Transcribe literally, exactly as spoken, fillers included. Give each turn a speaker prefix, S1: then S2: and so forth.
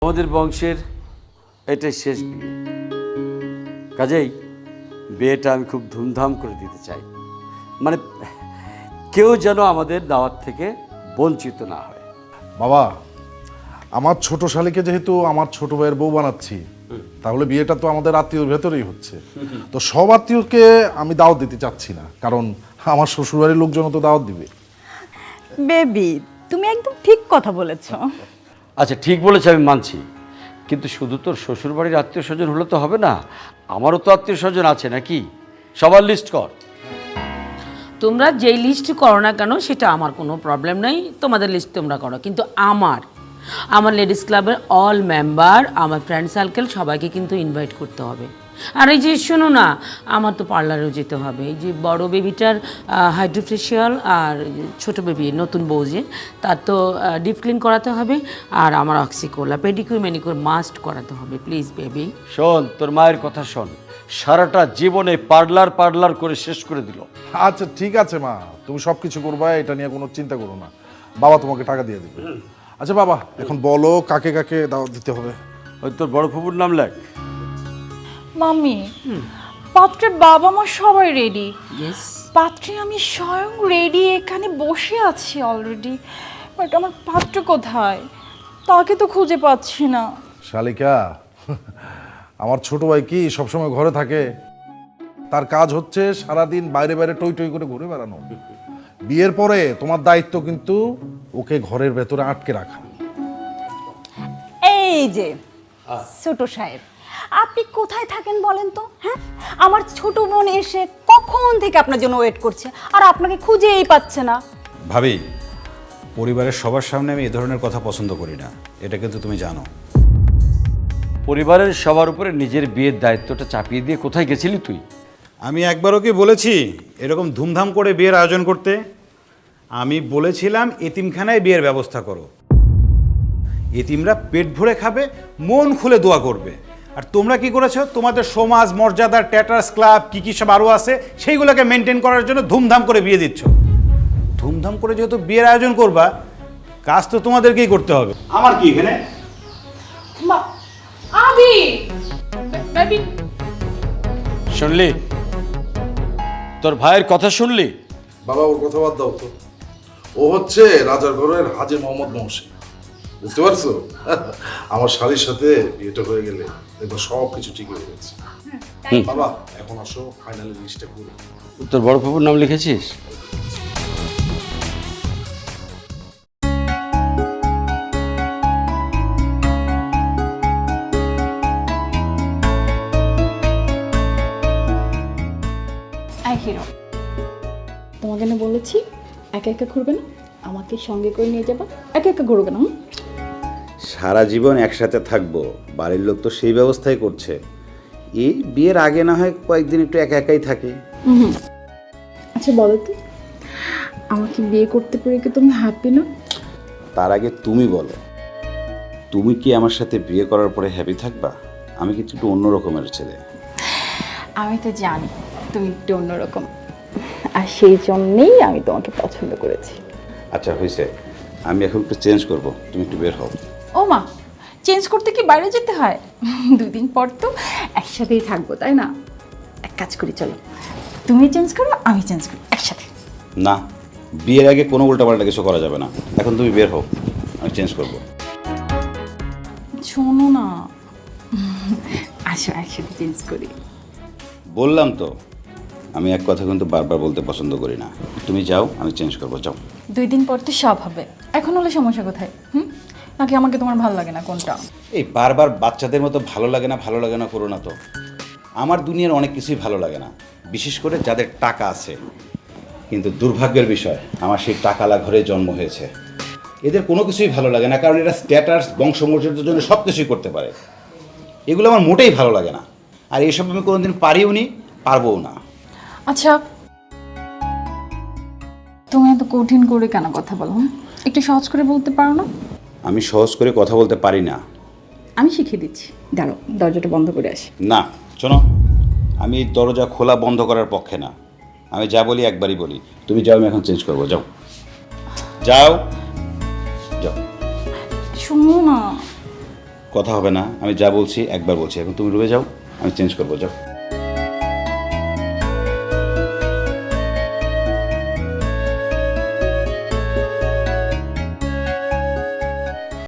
S1: আমাদের বংশের এটাই শেষ বিয়ে, কাজেই বিয়েটা আমি খুব ধুমধাম করে দিতে চাই। মানে কেউ যেন আমাদের দাওয়াত থেকে বঞ্চিত না হয়।
S2: বাবা, আমার ছোট শালীকে যেহেতু আমার ছোট ভাইয়ের বউ বানাচ্ছি, তাহলে বিয়েটা তো আমাদের আত্মীয়র ভেতরেই হচ্ছে। তো সব আত্মীয়কে আমি দাওয়াত দিতে চাচ্ছি না, কারণ আমার শ্বশুরবাড়ির লোকজন তো দাওয়াত দিবে।
S3: বেবি, তুমি একদম ঠিক কথা বলেছো।
S1: আচ্ছা ঠিক বলেছে, আমি মানছি, কিন্তু শুধু তোর শ্বশুরবাড়ির আত্মীয় স্বজন হলে তো হবে না, আমারও তো আত্মীয় স্বজন আছে নাকি? সবার লিস্ট কর।
S4: তোমরা যেই লিস্ট করো না কেন সেটা আমার কোনো প্রবলেম নেই, তোমাদের লিস্ট তোমরা করো, কিন্তু আমার আমার লেডিস ক্লাবের অল মেম্বার, আমার ফ্রেন্ড সার্কেল সবাইকে কিন্তু ইনভাইট করতে হবে। আর এই যে শোনো না, আমার তো পার্লারেও যেতে হবে। এই যে বড় বেবিটার হাইড্রোফেশিয়াল আর ছোট বেবি নতুন বউ যে, তার তো ডিপ ক্লিন করাতে হবে, আর আমার অক্সিকোলা পেডিকিউর ম্যানিকিউর মাস্ট করাতে হবে। প্লিজ বেবি
S1: শোন, তোর মায়ের কথা শোন, সারাটা জীবনে পার্লার পার্লার করে শেষ করে দিল।
S2: আচ্ছা ঠিক আছে মা, তুমি সব কিছু করবা, এটা নিয়ে কোনো চিন্তা করো না। বাবা তোমাকে টাকা দিয়ে দেবে। আচ্ছা বাবা, এখন বলো কাকে কাকে দাওয়াত দিতে হবে।
S1: ওই তোর বড় ফুপুর নাম লেখ।
S3: মাম্মি, পাত্রের বাবা মা সবাই রেডি।
S4: ইয়েস,
S3: পাত্রে আমি স্বয়ং রেডি, এখানে বসে আছি অলরেডি। বাট আমার পাত্র কোথায়? তাকে তো খুঁজে পাচ্ছি না।
S2: শালিকা, আমার ছোট ভাই কি সবসময় ঘরে থাকে? তার কাজ হচ্ছে সারাদিন বাইরে বাইরে টই টই করে ঘুরে বেড়ানো। বিয়ের পরে তোমার দায়িত্ব কিন্তু ওকে ঘরের ভেতরে আটকে রাখা।
S5: এই যে ছোট সাহেব, আপনি কোথায় থাকেন বলেন তো? হ্যাঁ, আমার ছোট বোন এসে কখন থেকে আপনার জন্য ওয়েট করছে, আর আপনাকে খুঁজেই পাচ্ছে না।
S6: ভাবি, পরিবারের সবার সামনে আমি এ ধরনের কথা পছন্দ করি না, এটা কিন্তু তুমি জানো।
S1: পরিবারের সবার উপরে নিজের বিয়ের দায়িত্বটা চাপিয়ে দিয়ে কোথায় গেছিলি তুই?
S6: আমি একবারও কি বলেছি এরকম ধুমধাম করে বিয়ের আয়োজন করতে? আমি বলেছিলাম এতিমখানায় বিয়ের ব্যবস্থা করো, এতিমরা পেট ভরে খাবে, মন খুলে দোয়া করবে। আর তোমরা কি করেছো? তোমাদের সমাজ মর্যাদার ট্যাটার্স ক্লাব কী কী সব আরও আছে, সেইগুলোকে মেনটেন করার জন্য ধুমধাম করে বিয়ে দিচ্ছ। ধুমধাম করে যেহেতু বিয়ের আয়োজন করবা, কাজ তো তোমাদেরকেই করতে হবে। আমার কি এখানে?
S4: আবি বেবি,
S1: শুনলি? তোর ভাইয়ের কথা শুনলি?
S2: বাবা, ওর কথা বাদ দাও তো। ও হচ্ছে রাজার ঘরের হাজী মোহাম্মদ মহসিন, বুঝতে পারছো? আমার শালীর সাথে বিয়েটা হয়ে গেলে দেখো সব কিছু ঠিক হয়ে গেছে। বাবা, এখন আসো ফাইনালি লিস্টটা করি।
S1: তোর বড় ফুপুর নাম লিখেছিস?
S7: আই হিরো, তোমাকে না বলেছি একা একা ঘুরবে না, আমাকে সঙ্গে করে নিয়ে যাবা। একা একা ঘুরবে না। হুম?
S6: সারা জীবন একসাথে থাকবো, বাড়ির লোক তো সেই ব্যবস্থাই করছে। এই বিয়ের আগে না হয় কয়েকদিন একটু একা একাই থাকে।
S7: হুম। আচ্ছা বলো তো, আমাকে বিয়ে করতে পেরে কি তুমি হ্যাপি না?
S6: তার আগে তুমি বলো, তুমি কি আমার সাথে বিয়ে করার পরে হ্যাপি থাকবা? আমি কিন্তু একটু অন্য রকমের ছেলে।
S7: আমি তো জানি তুমি একটু অন্যরকম, আর সেই জন্যেই আমি তোমাকে পছন্দ করেছি।
S6: আচ্ছা হয়েছে, আমি এখন একটু চেঞ্জ করব, তুমি একটু বের হও।
S7: ও মা, চেঞ্জ করতে কি বাইরে যেতে হয়? দুই দিন পর তো একসাথেই থাকবো, তাই না? এক কাজ করি, চলো তুমি চেঞ্জ করো, আমি চেঞ্জ করি, একসাথে।
S6: না, বিয়ের আগে কোনো উল্টাপাল্টা কিছু করা যাবে না। এখন তুমি বের হও, আমি চেঞ্জ করব।
S7: শোনো না, আসো একসাথে চেঞ্জ করি।
S6: বললাম তো, আমি এক কথা কিন্তু বারবার বলতে পছন্দ করি না। তুমি যাও, আমি চেঞ্জ করবো, যাও।
S7: দুই দিন পর তো সব হবে, এখন হলে সমস্যা কোথায়? হুম, নাকি আমাকে তোমার ভালো লাগে না, কোনটা?
S6: এই বারবার বাচ্চাদের মতো ভালো লাগে না ভালো লাগে না করো না তো। আমার দুনিয়ার অনেক কিছুই ভালো লাগে না, বিশেষ করে যাদের টাকা আছে। কিন্তু দুর্ভাগ্যের বিষয়, আমার সেই টাকালা ঘরে জন্ম হয়েছে। এদের কোনো কিছুই ভালো লাগে না, কারণ এরা স্ট্যাটাস বংশমর্যাদার জন্য সব কিছুই করতে পারে। এগুলো আমার মোটেই ভালো লাগে না, আর এইসব আমি কোনোদিন পারিও নি, পারবও না।
S7: আচ্ছা, তুমি এত কঠিন করে কেন কথা বলো? হুম? একটু সহজ করে বলতে পারো না?
S6: আমি সহজ করে কথা বলতে পারি না।
S7: আমি শিখিয়ে দিচ্ছি, দাঁড়ো দরজাটা বন্ধ করে আসি।
S6: না শোনো, আমি এই দরজা খোলা বন্ধ করার পক্ষে না। আমি যা বলি একবারই বলি। তুমি যাও, আমি এখন চেঞ্জ করবো, যাও যাও যাও।
S7: শোনো না,
S6: কথা হবে না, আমি যা বলছি একবার বলছি। এখন তুমি রুমে যাও, আমি চেঞ্জ করবো, যাও।